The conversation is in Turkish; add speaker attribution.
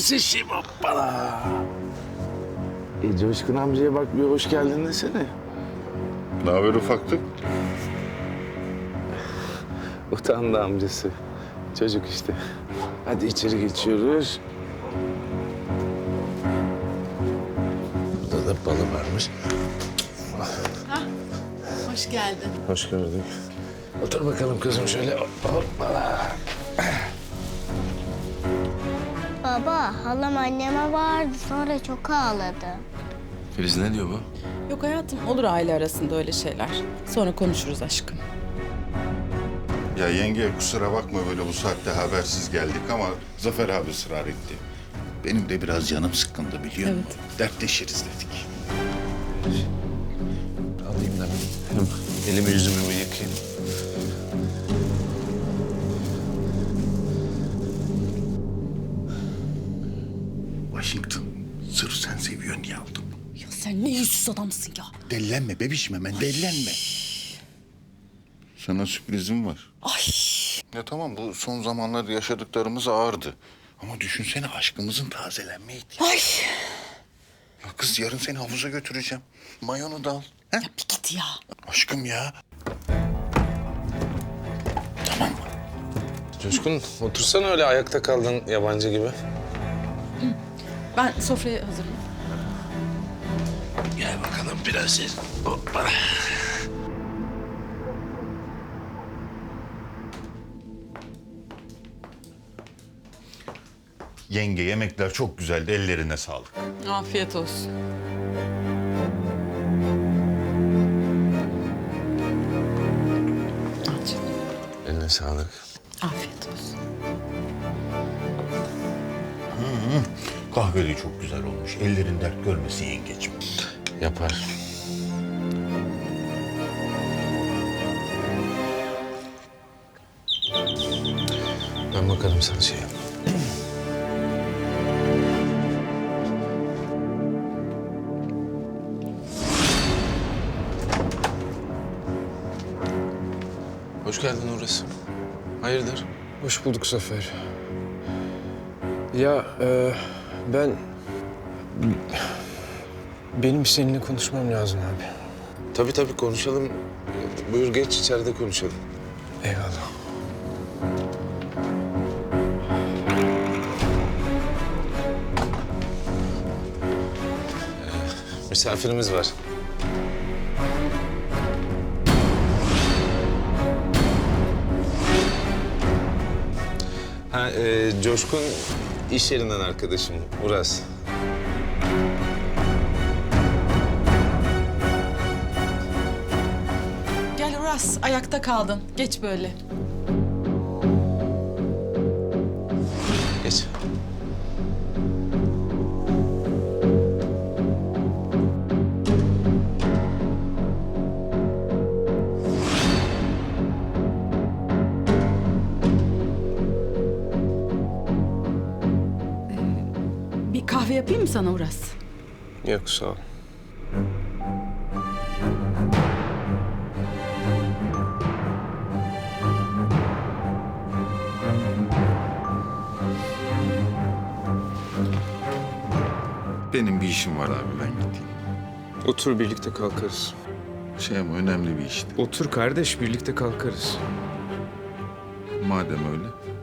Speaker 1: şişim hoppala. Coşkun amcaya bak bir hoş geldin desene.
Speaker 2: Ne haber ufaklık?
Speaker 1: Utandı amcası. Çocuk işte. Hadi içeri geçiyoruz. Burada da balı varmış.
Speaker 3: Hoş geldin.
Speaker 1: Hoş gördük. Otur bakalım kızım şöyle. Hoppala.
Speaker 4: Baba, halam anneme bağırdı sonra çok ağladı.
Speaker 5: Filiz ne diyor bu?
Speaker 3: Yok hayatım, olur aile arasında öyle şeyler. Sonra konuşuruz aşkım.
Speaker 2: Ya yenge kusura bakma böyle bu saatte habersiz geldik ama Zafer abi ısrar etti. Benim de biraz canım sıkkındı biliyor musun? Dertleşiriz dedik.
Speaker 1: Alayım da ben. Hem elimi yüzümü bir yıkayayım.
Speaker 2: Washington sırf sen seviyorsun diye aldım.
Speaker 3: Ya sen ne yüzsüz adamsın ya.
Speaker 2: Dellenme bebişim hemen dellenme. Sana sürprizim var.
Speaker 3: Ay.
Speaker 2: Ya tamam bu son zamanlarda yaşadıklarımız ağırdı. Ama düşünsene aşkımızın tazelenme ihtiyacı.
Speaker 3: Ay.
Speaker 2: Ya kız yarın seni havuza götüreceğim. Mayonu da al. He?
Speaker 3: Ya bir git ya.
Speaker 2: Aşkım ya. Tamam mı?
Speaker 1: Coşkun otursana öyle ayakta kaldın yabancı gibi.
Speaker 3: Ben sofrayı hazırlayayım.
Speaker 1: Gel bakalım prenses. Hoppala.
Speaker 2: Yenge yemekler çok güzeldi. Ellerine sağlık.
Speaker 3: Afiyet olsun. Al canım.
Speaker 1: Eline sağlık.
Speaker 3: Afiyet olsun.
Speaker 2: Kahve de çok güzel olmuş. Ellerin dert görmesin yengeciğim.
Speaker 1: Yapar. Ben bakarım sen şey yap. Hoş geldin orası. Hayırdır?
Speaker 6: Hoş bulduk Zafer. Ya ben... Benim seninle konuşmam lazım abi.
Speaker 1: Tabii tabii konuşalım. Buyur geç içeride konuşalım.
Speaker 6: Eyvallah.
Speaker 1: Misafirimiz var. Coşkun iş yerinden arkadaşım Uras.
Speaker 3: Gel Uras, ayakta kaldın. Geç böyle.
Speaker 1: Geç.
Speaker 3: Bir kahve yapayım mı sana Uras?
Speaker 6: Yok sağ ol.
Speaker 2: Benim bir işim var abi ben gideyim.
Speaker 6: Otur birlikte kalkarız.
Speaker 2: Şey ama önemli bir işti.
Speaker 6: Otur kardeş birlikte kalkarız.
Speaker 2: Madem öyle.